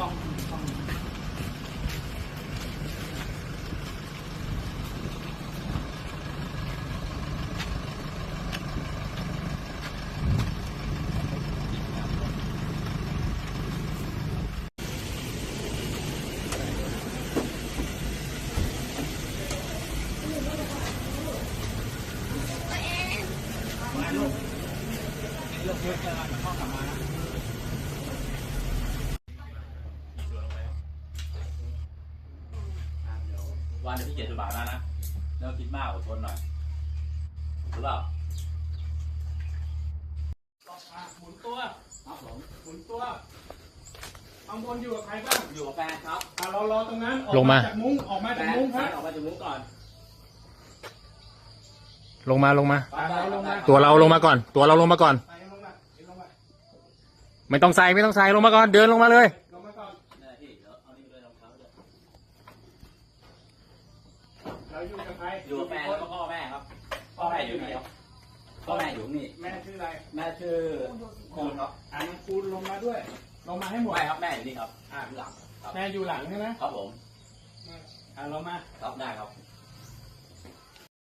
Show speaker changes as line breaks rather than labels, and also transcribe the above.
ต้องเลือกเยอะเกินมันเข้ากลับมานะวันเดี๋ยวพี่เกียรติบาทนะแล้วคิดมากอดทนหน่อยรู้เปล่าหมุนตัวครับผมหมุนตัวข้างบนอยู่กับใครบ้างอยู่กับแฟนครับรอตรงนั้นลงมาจากมุ้งออกมาจากมุ้งครับออกมาจากมุ้งก่อน
ลงมาตัวเราลงมาก่อนไม่ต้องใส่ลงมาก่อนเดินลงมาเลย
เราอยู่กับใคร
อยู่กับแฟนแล้วก็พ่อแม่ครับพ่อแม่อยู่นี่ครับพ่อแม่อยู่นี่
แม่ชื่ออะไร
แม่ชื่อคูณครับ
คูณลงมาด้วยลงมาให้หมด
ไม่ครับแม่อยู่นี่ครับหลัง
แม่อยู่หลังใช่ไหม
ครับผม
เรามา
ครับได้ครับ